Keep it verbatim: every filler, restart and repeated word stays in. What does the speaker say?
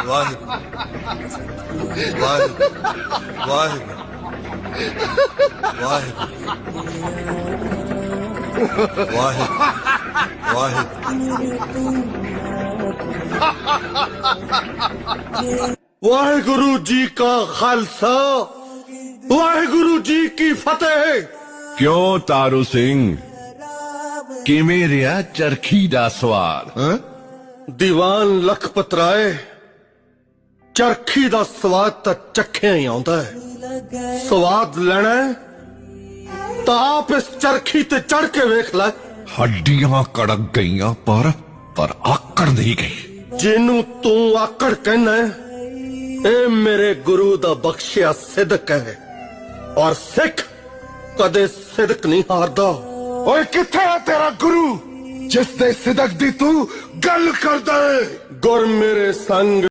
ਵਾਹਿਗੁਰੂ ਵਾਹਿਗੁਰੂ ਵਾਹਿਗੁਰੂ ਵਾਹਿਗੁਰੂ ਵਾਹਿਗੁਰੂ ਵਾਹਿਗੁਰੂ ਜੀ ਕਾ ਖਾਲਸਾ ਵਾਹਿਗੁਰੂ ਜੀ ਕੀ ਫਤਿਹ। क्यों तारू सिंह किवें रिहा चरखी दा सवाल? ਦੀਵਾਨ ਲਖਪਤ ਰਾਏ ਚਰਖੀ ਦਾ ਸਵਾਦ ਤਾਂ ਚੱਖਿਆ ਹੀ ਆਉਂਦਾ ਹੈ। ਸਵਾਦ ਲੈਣਾ ਹੈ ਤਾਂ ਆਪ ਇਸ ਚਰਖੀ ਤੇ ਚੜ ਕੇ ਵੇਖ ਲੈ। हड्डियां कड़क गईयां पर पर आकड़ नहीं गई। ਜਿਹਨੂੰ ਤੂੰ ਆਕੜ ਕਹਿਣਾ ਹੈ ਇਹ ਮੇਰੇ ਗੁਰੂ ਦਾ ਬਖਸ਼ਿਆ ਸਿਦਕ ਹੈ ਔਰ ਸਿੱਖ ਕਦੇ ਸਿਦਕ ਨਹੀਂ ਹਾਰਦਾ। ओए किथे है तेरा गुरु जिस दे सिदक दी तू गल करदा है? ਗੁਰ ਮੇਰੇ ਸੰਗ